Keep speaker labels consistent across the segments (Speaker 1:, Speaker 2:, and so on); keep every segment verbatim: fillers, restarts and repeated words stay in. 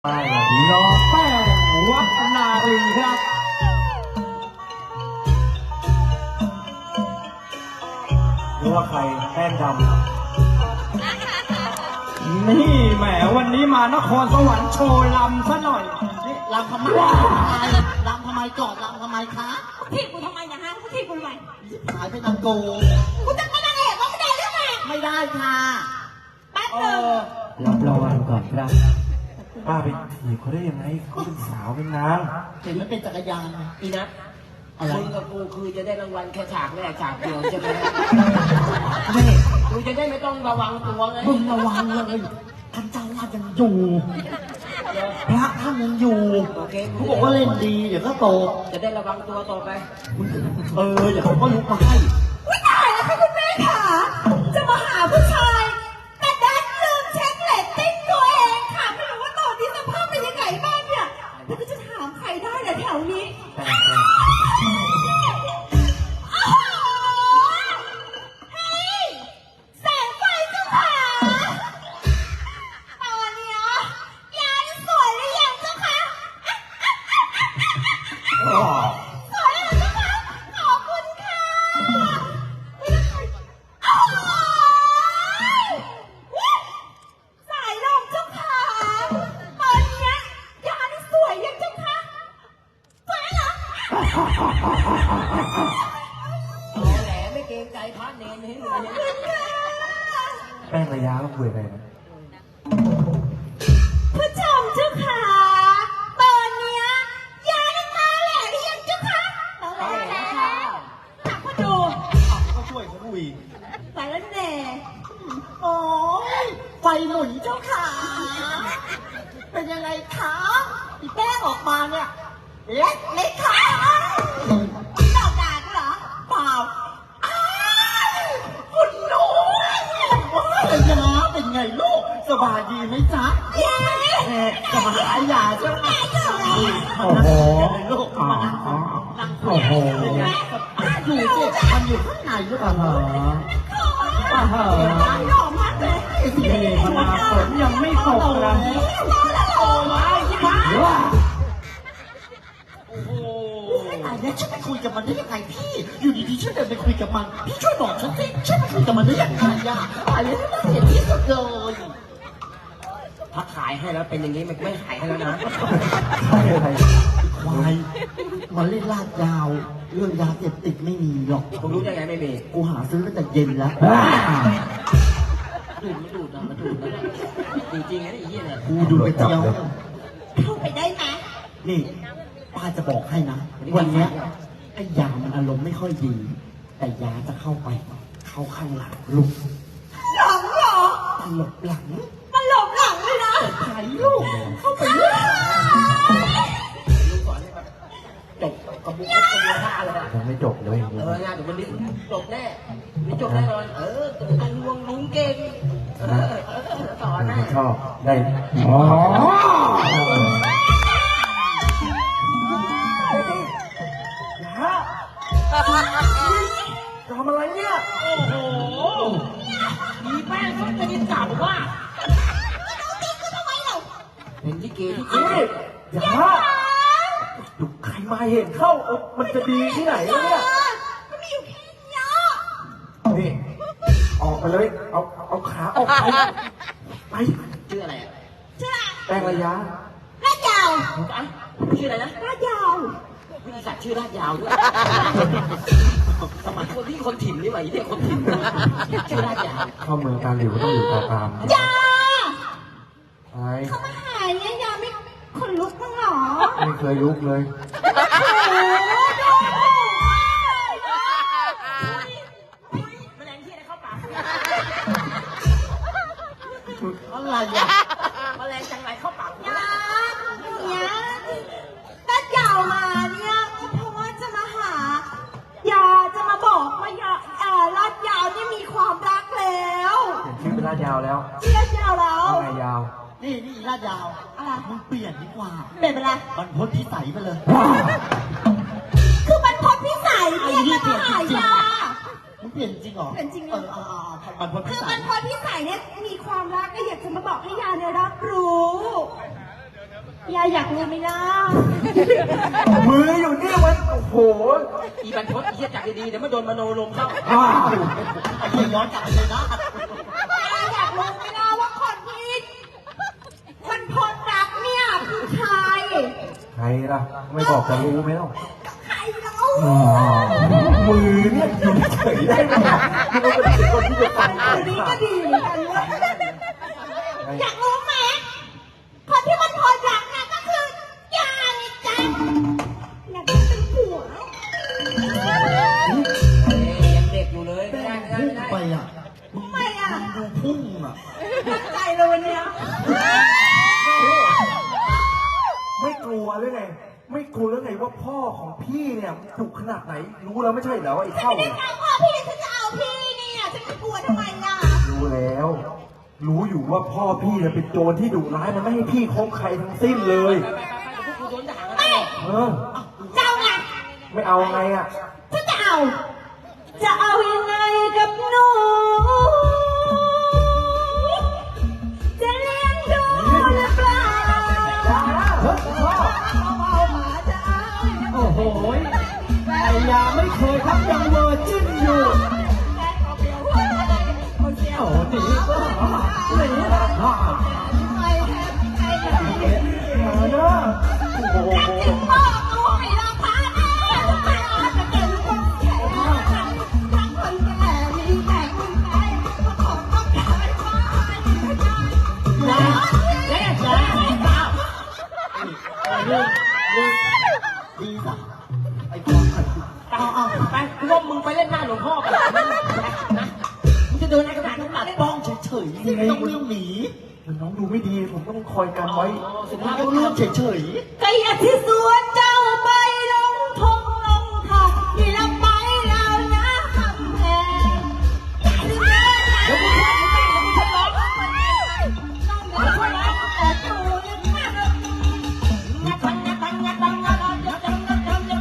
Speaker 1: ป้ายแบบน้องแป้งวัฒนารีครับหรือว่าใครแป้งดำนี่แหมวันนี้มานครสวรรค์โชว์ลำซะหน่อย
Speaker 2: นี่ลำทำไมลำทำไมจอดลำทำไมคะ
Speaker 3: ทีกูทำไมนะฮะกูทีกูทำไม
Speaker 2: หายไปนางโก
Speaker 3: กูจะเป็นนางเอกว่าไม่ได้หรือไง
Speaker 2: ไม่ได้ค่ะ
Speaker 3: แป๊บนึง
Speaker 1: รับรางวัลก่อนครับป้าไปถีบเขาได้ยังไงเขาเป็นสาวเป็นนาง
Speaker 2: เห็นมันเป็นจักรยาน
Speaker 4: อีนะมึงกับกูคือจะได้รางวัลแค่ฉากแรกฉากเดียวใช่ไหม
Speaker 2: นี่
Speaker 4: กูจะได้ไม่ต้องระวังตัวไง
Speaker 2: มึงระวังเลยท่านเจ้าว่ายังอยู่พระท่านยังอยู่เขาบอกว่าเล่นดีเดี๋ยวก็โต
Speaker 4: จะได้ระวังตัวต่อไป
Speaker 2: เออเดี๋ยวเขาก็ลุกมาให้
Speaker 3: วิตายแล้วค่ะคุณแม่ค่ะจะมาหาผู้ชายแต่ดันลืมเช็คเลตติ้งตัวเองค่ะไม่รู้ว่าตอนนี้สภาพเป็นยังไงบ้างเนี่ยแล้วก็จะถามใครได้ล่ะแถวนี้
Speaker 1: แป้งระยะก็คุยอะไรนะ
Speaker 3: ผู้ชมเจ้าค่ะตอนเนี้ยยาได้มาแล้วหรือยังเจ้าค่ะมาแล้วค่ะถามเขาดู
Speaker 2: เขาช่วยเขาคุย
Speaker 3: สารแหน่
Speaker 2: โอ้ยไฟหมุนเจ้าค่ะเป็นยังไงคะอีแป้งออกมาเนี่ยเล็กเล็กค่ะ
Speaker 3: ดอกด่าเหรอ
Speaker 2: เปล่าคุณหนูเป็นยังไงเป็นไงลูกสบายดีไหมจ๊ะ
Speaker 3: เย้
Speaker 2: จะมาหายาใช่ไหม
Speaker 1: โอ้โห
Speaker 2: ลูกมานั่งนั่งโอ้โหอยู่สิมันอยู่ข้างในลูกอ่ะเหรออ่ะเหรอ
Speaker 3: หอมมากเลย
Speaker 1: นี่พนาฝนยังไม่ตกนะ
Speaker 3: โอ้ยมา
Speaker 2: โอ้โหอันนี้ฉันไปคุยกับมันได้ยังไงพี่อยู่ดีๆฉันเดินไปคุยกับมันพี่ช่วยบอกฉันสิฉันไปคุยกับมันได้ยังไงอ่ะอันนี้น่าเสียที่สุดเลย
Speaker 4: ถ้าขายให้แล้วเป็นอย่างนี้มันไม่ขายให้แล้วนะ
Speaker 1: ขายอะไร
Speaker 2: ควายมันเล่นลาดยาวเรื่องยาเสพติดไม่มีหรอก
Speaker 4: มึงรู้ได้ไงไม่มี
Speaker 2: กูหาซื้อตั้งแต่เย็นแล้ว
Speaker 4: ดูดไม่ดูดนะมาดูดนะจริงๆนะไอ้เหี้ยเนี่ย
Speaker 2: กูดูไปเจียว
Speaker 3: เข้าไปได้ไหม
Speaker 2: นี่ป้าจะบอกให้นะวันนี้ไอ้ยามันอารมณ์ไม่ค่อยดีแต่ยาจะเข้าไปเข้าข้างหลังลูก
Speaker 3: หลังเหรอ
Speaker 2: ตลบหลัง
Speaker 3: ตลบหลังเลยนะ
Speaker 2: ไถ่ลูกเข้าไปลูก
Speaker 4: ลูกสอนให้แบบจบกระบุกกระบุกท่าเลย
Speaker 1: ยังไม่จบเลย
Speaker 4: เอองานแต่วันนี้จบแน่นี่จบแน่นอนเออตรงวงลุงเก่งเออสอนให้
Speaker 1: ชอบได้อ๋อทำอะไรเนี่ย
Speaker 4: โอ้โหมีแป้งเขาจะกินกลับว่าเป็นที่เกย์ที่เกย์
Speaker 1: อย่าดูใครมาเห็นเข้ามันจะดีที่ไหนเนี่ย
Speaker 3: มันมีอยู่แค่นี้
Speaker 1: นี่ออกไปเลยเอาเอาขาออกไปไป
Speaker 4: ชื่ออะไร
Speaker 3: ชื่อ
Speaker 1: แป้งระยะ
Speaker 3: ลาดยาว
Speaker 4: ชื่ออะไรนะ
Speaker 3: ลาดยาว
Speaker 4: วิธีสัตว์ชื่อลาดยาวด้วยสมัยคนที่คนถิ่นนี่ไหมเนี่ยคนถิ่นชื่อลาดยาว
Speaker 1: เข้าเมืองการหลิวต้องอยู่ตาตาม
Speaker 3: ยา
Speaker 1: ใช่
Speaker 3: เขามาหายเนี่ยยาไม่คนลุกมั้งหรอ
Speaker 1: ไม่เคยลุกเลย
Speaker 4: แมลงที่อะไรเข้าปาก
Speaker 2: อะไรอ่ะ
Speaker 4: แมลงจังไรเข้าปาก
Speaker 3: ยาเนี่ยลาดยาวมาเนี่ยเพราะว่าจะมาหายาจะมาบอกว่ายาเอ่อลาดยาวนี่มีความรักแล้ว
Speaker 1: เปลี่ยนชื่อเป็นลาดยาวแล้ว
Speaker 3: ชื่อลาดยาวแล้ว
Speaker 1: ไงยาว
Speaker 2: นี่นี่ลาดยาว
Speaker 3: อะไร
Speaker 2: มึงเปลี่ยนดีกว่า
Speaker 3: เปลี่ยนเป็นอะไร
Speaker 2: มันพ้นพิสัยไปเลย
Speaker 3: คือมันพ้นพิสัยเปลี่ยนเป็นหายา
Speaker 2: มึงเปลี่ยนจริงเหรอ
Speaker 3: เปลี่ยนจริงเหรอ
Speaker 2: เออมันพอ
Speaker 3: คือมันพอพิสัยเนี่ยมีความรักก็อยากจะมาบอกให้ยาเนี่ยรับรู้ยายอยากรู้ไหมล่ะ
Speaker 1: มืออยู่นี่มันโอ้โห
Speaker 4: อีบันทดเฮียจักดีๆเดี๋ยวมาโดนมโนลมเข้า
Speaker 1: ว้าว
Speaker 2: ไอ้เหี้ยย้อนกลับไปเลยนะ
Speaker 3: ยายอยากรู้ไหมล่ะว่าคนที่มันพลรักเนี่ยคือใคร
Speaker 1: ใครล่ะไม่บอกจะรู้ไหมล่ะ
Speaker 3: ใครเล่า
Speaker 1: อ๋อมือเนี่ยอยู่เฉยได้ไหมนี่มันเป็นคนที่จะฟัง
Speaker 3: อันนี้ก็ดีเหมือนกันเว้ยอยากรู้ไหมคนที่มันพลรักเนี่ยก็คือยายจ้ะอยากได้เป็นผัว
Speaker 4: ยังเด็กอยู่เลยไม่ได้ไม่ได้
Speaker 2: พุ่ง
Speaker 4: ไม่ได้
Speaker 2: ไปอ่ะ
Speaker 3: ทำไมอ่ะ
Speaker 2: ดูพุ่งอ่ะ
Speaker 3: ตั้งใจเลยวันเนี้ย
Speaker 1: ไม่กลัวหรือไงไม่กลัวหรือไงว่าพ่อของพี่เนี่ยดุขนาดไหนรู้แล้วไม่ใช่เหรอว่าไอ้
Speaker 3: ฉัน
Speaker 1: เท่า
Speaker 3: ไม่ได้
Speaker 1: เนี่ย
Speaker 3: เอาพ่อพี่ฉันจะเอาพี่เนี่ยฉันจะกลัวทำไมล่ะ
Speaker 1: รู้แล้ว รู้อยู่ว่าพ่อพี่เนี่ยเป็นโจรที่ดุร้ายมันไม่ให้พี่คบใครทั้งสิ้นเลย
Speaker 4: ไปไปไปไปเดี๋ยวพวกกูโดนด่ากัน
Speaker 3: ไม่
Speaker 1: เออ
Speaker 3: เจ้าไง
Speaker 1: ไม่เอาไงอ่ะ
Speaker 3: ฉันจะเอา จะเอายังไงกับหนูจะเลี้ยงดูหรือเปล่า
Speaker 1: เฮ้ยพ่อ
Speaker 3: เอาหมาจะเอา
Speaker 2: โอ้โหไอ้ยาไม่เคยทับยังเวอร์จิ้นอยู่
Speaker 3: คนเดียว
Speaker 2: โอ้หนีก็หนีฮ่า
Speaker 3: ไม่แฮปไอ้แบบ
Speaker 1: มาเนอะโอ้โห
Speaker 3: ถึงพ่อกูให้เราพาแม่ไม่อาจจะเป็นคนแก่ทั้งคนแก่มีแต่คนแก่ก็คงต้องการพ่อนะแม่จ๋า
Speaker 2: เรื่องเรื่องดีสักไอ้ความขัด
Speaker 4: เอาเอาไปกูว่ามึงไปเล่นหน้าหลวงพ่อกันนะมึงจะเดินอะไรกันหนาขนาด
Speaker 2: ตัด
Speaker 4: นี้
Speaker 2: ป้องเฉยๆไม่ต้องเรื่องหนี
Speaker 1: มันน้องดูไม่ดีผมต้องคอยกันไว้
Speaker 4: สุ
Speaker 2: มั
Speaker 4: ภาน พ
Speaker 2: ก็
Speaker 4: บุรุ
Speaker 2: เรื่อง
Speaker 4: ษ
Speaker 2: เฉย
Speaker 3: ก็อยากที่สวนเจ้าไปลงทงลงทางที่เราไปแล้วนะคำแพงเดี๋ยวมึงช่วยแม่เดี๋ยวมึงช่วยร้องต้องช่วยร้องแต่ตูยังไม่ได้งัดงัดงัดงัดงัดงัดงัดงัดงัดงัดงัดงัด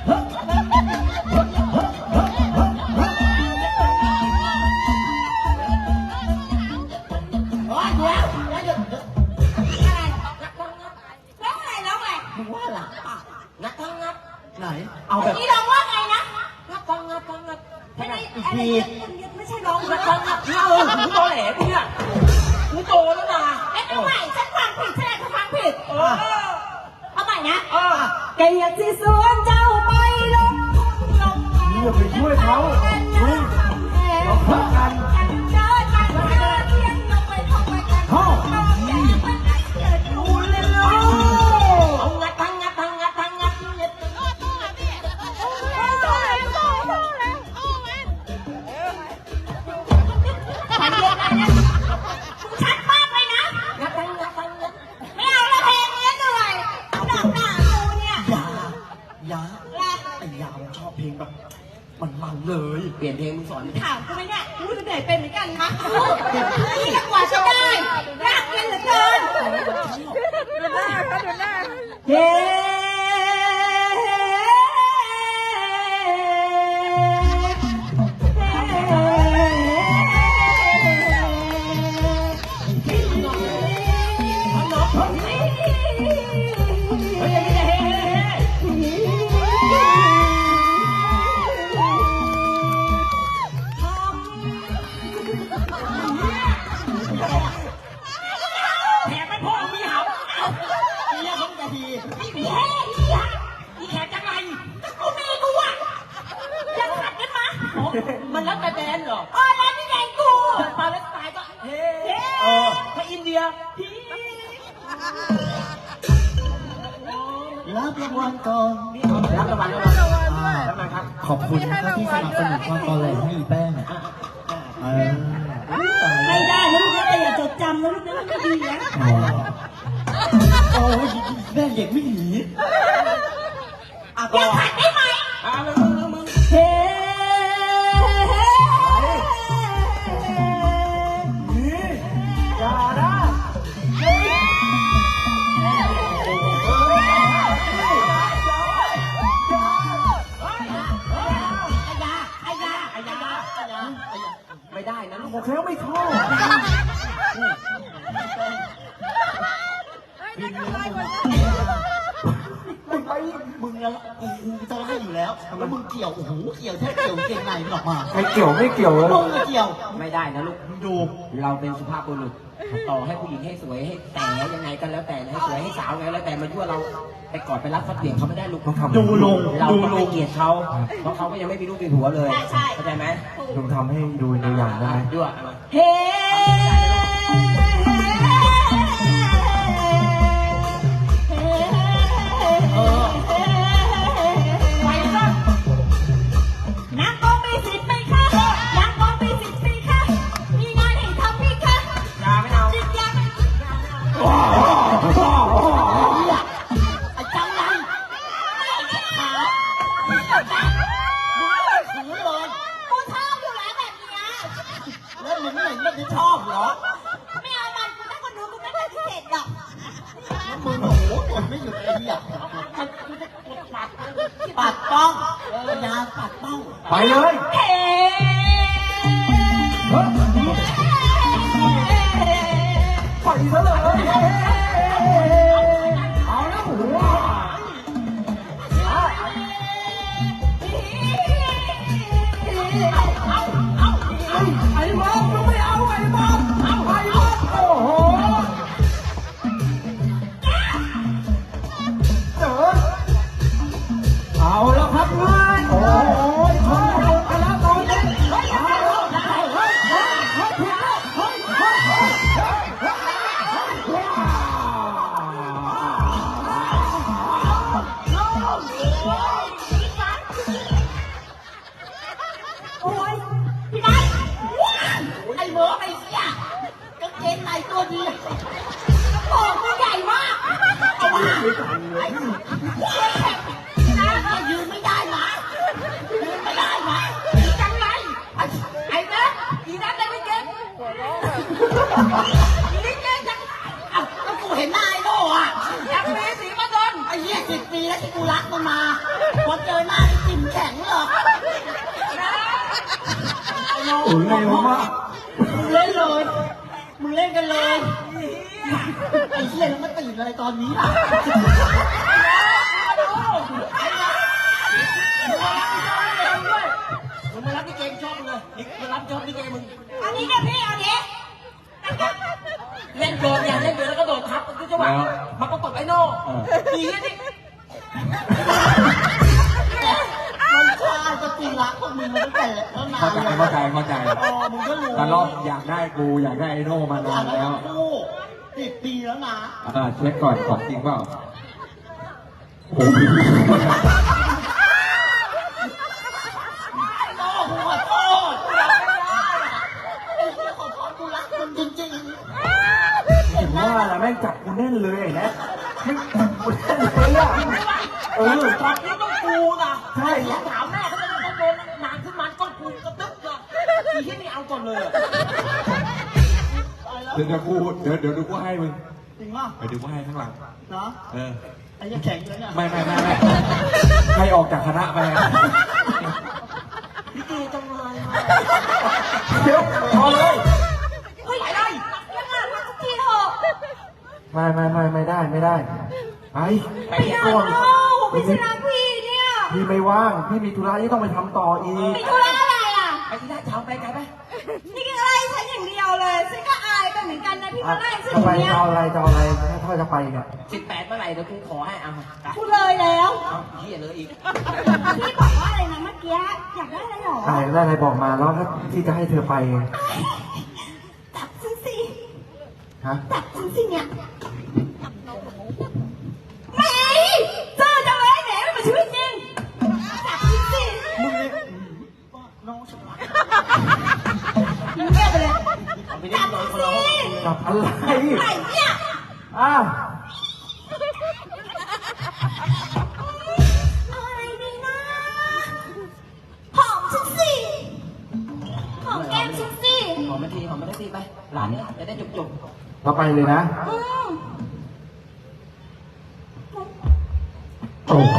Speaker 3: โอ้ยเดี๋ยวเดี๋ยวเดี๋ยวอะไรร้องอะไรร้องอะไร
Speaker 2: ๆมึงว่าหลังอ่ะ
Speaker 4: งัดทั้งงัด
Speaker 2: ไหน เอาแบบ
Speaker 3: นี่ร้องว่าไงนะ
Speaker 4: งัดทั้งงัดทั้งงัด
Speaker 3: ไม่ได้อะไรเนี่ยไม่ใช่ร้อง
Speaker 4: งั
Speaker 3: นะ
Speaker 4: ดทั้งงัดเออกูโตแหลกูเนี่ยกูโตแล้วนะ
Speaker 3: เอ๊ะเอาใหม่ฉันฟังผิดฉันอาจจะฟังผิด
Speaker 4: เออ
Speaker 3: เอาใหม่นะ
Speaker 4: เออ
Speaker 3: แกอยากที่สวนเจ้าไปลงลง
Speaker 1: นี่อย่าไปช่วยเขาเฮ้ยเราพักกัน
Speaker 3: เดินมาเดินเที่ยงลงไปทำไมกันพ่อแกมันได้เกิดดูเลยเนาะ
Speaker 4: เอางัดทั้งงัดทั้งงัดทั้งงัดเนี่ย
Speaker 3: ฉันเรียกอะไรนะชัดมากเลยนะ
Speaker 4: งัดทั้งงัดทั้งงัด
Speaker 3: ไม่เอาละเพลงนี้เหนื่อยหนักหนากูเนี่ย
Speaker 2: ยา ยา ไอ้ยามันชอบเพลงแบบ มันมันๆเลย
Speaker 4: เปลี่ยนเพลงมึงสอนดิ
Speaker 3: ถามกูไหมเนี่ยกูจะเหนื่อยเป็นเหมือนกันนะนี่กว่าจะได้ยากเย็นเหลือเกินเฮ้
Speaker 4: แขกไม่พอมีเห่า
Speaker 2: เรียกเขาจะที
Speaker 3: ไม่มีเฮ้ยอย่า
Speaker 4: อีแขกจังไร
Speaker 3: กูมีกูอ่ะยังขัดกันมา
Speaker 4: อ๋อมันแล้วแต่แดนเหรอ
Speaker 3: อ๋อแล้วนี่ไงกู
Speaker 4: ปาเลสไตน์ก็เฮ้
Speaker 2: เออ
Speaker 4: ถ้าอินเดีย
Speaker 2: รับรางวัลก่อน
Speaker 4: รับรางวัลแล้วรับรางวัล
Speaker 2: อ่า
Speaker 4: แล้วมาครับ
Speaker 2: ขอบคุณนะครับที่สนับสนุนความตอแหลให้อีแป้งเออ
Speaker 3: ไม่ได้นะลูกนะแต่อย่าจดจำนะลูกนะมันไม่ดีนะ
Speaker 2: อ๋อโอ้ยแม่เด็กไม่หนี
Speaker 4: อ่ะ
Speaker 3: อ
Speaker 4: ต่
Speaker 3: ย่า
Speaker 4: อ
Speaker 3: ขัดได้ไหม
Speaker 4: อ่ะมึงมึงมึงมึง
Speaker 3: เฮ้
Speaker 1: นี่อย่านะ
Speaker 3: ไอ้ยาไอ้ยา
Speaker 4: ไอ้ยาไอ้ยาไม่ได้นะ
Speaker 1: บอกแล้วไม่ชอบ
Speaker 2: บินเลยมึงไปมึงแล้วกูกูจะไล่อยู่แล้วแล้วมึงเกี่ยวโอ้โหเกี่ยวแค่เกี่ยวเก่งในมันออกมา
Speaker 1: ไม่เกี่ยวไม่เกี่ยวเลย
Speaker 2: มึงก็เกี่ยว
Speaker 4: ไม่ได้นะลูก
Speaker 2: มึงดู
Speaker 4: เราเป็นสุภาพบุรุษต่อให้ผู้หญิงให้สวยให้แต่ยังไงก็แล้วแต่นะให้สวยให้สาวไงแล้วแต่มายั่วเราไปกอดไปรักฟัดเบี่ยงเขาไม่ได้ลูก
Speaker 1: ต้องทำ
Speaker 2: ดูลง
Speaker 4: เรา
Speaker 2: ดู
Speaker 4: ต้อง
Speaker 2: ล
Speaker 4: ให้
Speaker 2: ง
Speaker 4: เกียรติเขาเพราะเขาก็ยังไม่มีลูกมีผัวเลยเข้าใจไหม
Speaker 1: ลุงทำให้ดูตัวอย่างได้ไหม
Speaker 4: ยั่ว
Speaker 3: เฮ้ไปก่อนนักก็มีสิทธิ์ไหมคะนักก็มีสิทธิ์ไหมคะมีงานให้ทำไหมคะ
Speaker 4: ยาไม่เอา
Speaker 3: จิตยาไหม
Speaker 2: ไอ้จังไรขามึงขืนเลย
Speaker 3: กูชอบอยู่แล้วแบบเนี้ย
Speaker 2: แล้วมึงไม่เห็นมันจะชอบเหรอ
Speaker 3: ไม่เอามันกูถ้าคนดูกูไม่ปฏิเสธหรอก
Speaker 2: แล้วมึงโอ้โหกดไม่หยุดไอ้เหี้ยปัดป้องเออยาปัดป้อง
Speaker 1: ไปเลย
Speaker 3: เฮ้
Speaker 1: ไปซะเลยเอาแล้วหัวไอ้บอมไม่เอาไอ้บอมเอาไอ้บอมโอ้โหเจอเอาแล้วครับเพื่อนโอ้ยชนโดนไปแล้วตอนนี้เฮ้ยเฮ้ยเฮ้ยเฮ้ยเฮ้ยเฮ้ยเฮ้ยเฮ้ยเฮ้ย
Speaker 3: โอ้ยพี่นาย
Speaker 2: ไอ้เหมอไอ้เหี้ยกางเกงในตัวดี
Speaker 3: โอ้ตัวใหญ่มาก
Speaker 2: เอามาไอ้นะยืนไม่ได้หมายืนไม่ได้หมาจังไรไอ้ไอ้นะอีนั้นได้ไม่เก่งนี่เก่งจังเอ้าก็กูเห็นหน้าไอ้โน่อะยังมีสีมาโดนไอ้เหี้ยสิบปีแล้วที่กูรักมันมาพอเจอหน้าไอ้จิ้มแข็งเหรอไอ้โน่
Speaker 1: โอ้ยเร็วมาก
Speaker 2: มึงเล่นเลย มึงเล่นกันเลย ไอ้เหี้ยแล้วมาตื่นอะไรตอนนี้ล่ะ
Speaker 4: มึงมารับที่เกมชอบมึงเลยนี่มารับชอบที่เกมมึง
Speaker 3: อันนี้เนี่ยพี่เอาดิ
Speaker 4: เล่นโดนอย่าเล่นโดนแล้วก็โดดทับมันก็จะว่ามันก็ตบไอ้โน่ดีนี่
Speaker 2: มันชาจะตีรักพวกมึงมาตั้งแต่แล้วนาน
Speaker 5: เข้าใจเข้าใจเข้าใจ
Speaker 2: อ๋อมึงก็รู้
Speaker 5: ตลอดอยากได้กูอยากได้ไอโน่มานานแล้ว
Speaker 2: คู่สิบปีแล้วนะ
Speaker 5: เออเช็คก่อนของจริงเปล่าโอ้โห
Speaker 2: โอ้โหขอโทษไอ้เหี้ยขอโทษกูรักมึงจริง
Speaker 1: ถึงว่าแหละแม่งจับกูแน่นเลยไอ้แนะไม่จับกูแน่นเลยอ่ะเออ
Speaker 4: ตอนนี้ต้องกูนะ
Speaker 1: ใช่
Speaker 4: อย่าถามแม่เขาจะต้องโดนนานขึ้นมาต้องกูกระตึ๊บนะอีที่นี่เอาก่อนเลย
Speaker 2: ๆตายแล้ว
Speaker 5: เดี๋ยวเดี๋ยวกูเดี๋ยวเดี๋ยวดูกูให้มึง
Speaker 2: จริงป่ะ
Speaker 5: ไปดูกูให้ข้างหลัง
Speaker 2: เนาะ
Speaker 5: เออ
Speaker 2: ไอ้เหี้ยแข็งเลยเนี่ย
Speaker 5: ไม่ไม่ไม่ไม่ใครออกจากคณะไป
Speaker 4: พี่เกจังเลย
Speaker 1: เดี๋ยวพอเลย
Speaker 3: เฮ้ยอะไรยังไงมาสักทีเถอะ
Speaker 1: ไม่ไม่ไม่ไม่ได้ไม่ได้ไปไป
Speaker 3: ไม่เอา
Speaker 1: ก่อน
Speaker 3: พี่ชนะพี่เนี่ย
Speaker 1: พี่ไม่ว่างพี่มีธุระที่ต้องไปทำต่ออีก
Speaker 3: มีธุระอะไรอ่ะ
Speaker 4: ไปที่ได้เช้าไปไกลไป
Speaker 3: นี่ก็ไล่ฉันอย่างเดียวเลยฉันก็อายไปเหมือนกันนะที่
Speaker 1: อ่ะ
Speaker 3: มาไล่ฉันอ
Speaker 1: จะ
Speaker 3: ย่าง
Speaker 1: ไป
Speaker 3: เงี้ย
Speaker 1: จะเอาอะไรจะเอาอะไรถ้าจะไปเนี่ย
Speaker 4: สิบแปดเมื่อไหร่เดี๋ยวกูขอให้เอา
Speaker 3: พูดเลยแล้ว
Speaker 4: เอาเฮียเลยอีก
Speaker 3: พี่บอกว่าอะไรนะเมื่อกี้อยากได้อะไรหรอ
Speaker 1: อะไรได้อะไรบอกมาแล้วถ้าที่จะให้เธอไป
Speaker 3: จับฉันสิ
Speaker 1: ฮะ
Speaker 3: จับฉันสิเนี่ยแหมเจอจังเลยแหมมันมาชีวิตจริงจับฉันสิ
Speaker 2: มึงเนี่ยน้องฉันรัก
Speaker 3: มึงเงียบไปเลย
Speaker 4: เอาไปนี่นอนคนละห้อง
Speaker 1: กับอะไร
Speaker 3: ไหนเนี่ย
Speaker 1: อ่ะ
Speaker 3: อะไรดีนะหอมฉันสิหอมแก้มฉันสิ
Speaker 4: หอมไม่ทีหอมไม่ได้ทีไป หลานเนี่ยจะได้จบจบ
Speaker 1: เราไปเลยนะ
Speaker 3: อืม
Speaker 1: โอ้โห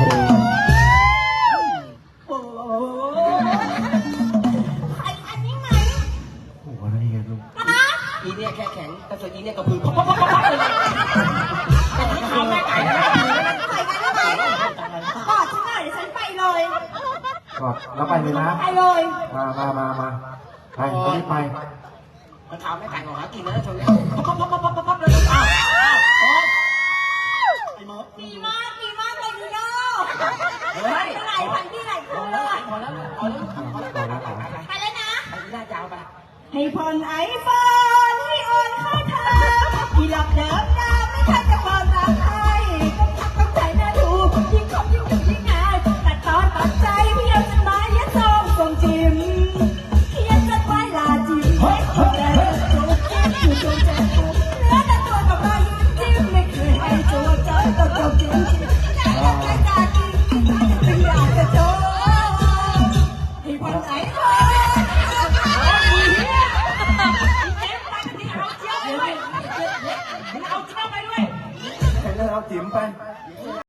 Speaker 3: ใครอันนี้ไหม
Speaker 1: โอ้โหอะไรกันลูก
Speaker 3: นะ
Speaker 4: อีเนี่ยแค่แข็งแต่ส่วนอีเนี่ยกระพือปั๊บปั๊บปั๊บปั๊บเลยแต่ที่เขาแม่ไก่นะ
Speaker 1: แล้วไปเลยนะ
Speaker 3: ไปเลย
Speaker 1: มามามามาไปรีบไป
Speaker 4: มันเท้าไม่แต่งหรอกหากินแล้วชนแล้วปั๊บปั๊บปั๊บปั๊บปั๊บปั๊บเลยอ้าวอ้าวไอ้หมอ
Speaker 3: ดีมากดีมากเลยดูโน่
Speaker 4: เฮ้ย
Speaker 3: ไปไหนไปที่ไหน
Speaker 4: พอแล้วพอแล้วพอแล้วพอแล้วพอแล้วพอแล้ว
Speaker 3: ไปแล้วนะ
Speaker 4: ไปหน้าจาวไป
Speaker 3: ให้ผ่อนไอโฟนให้โอนค่าเทอมที่หลับเดิมดาไม่ทันจะเปิดรักใครต้องทักต้องใจน่าดูยิ่งคบยิ่งดูยิ่งงานแต่ตอนตัดใจพี่เอาจดหมายยัดซองส่งจิมเขียนจดหมายลาจิมเฮ้ยแต่จูบแก้มอยู่ตรงใจผมเนื้อแต่ตัวกับรอยยิ้มจิ้มไม่เคยให้ตัวใจก็จบจริงใจรักใจตาจริงไม่อยากจะโดนให้ผ่อนไอโฟน
Speaker 1: ไปเลยเอาจิ๋มไป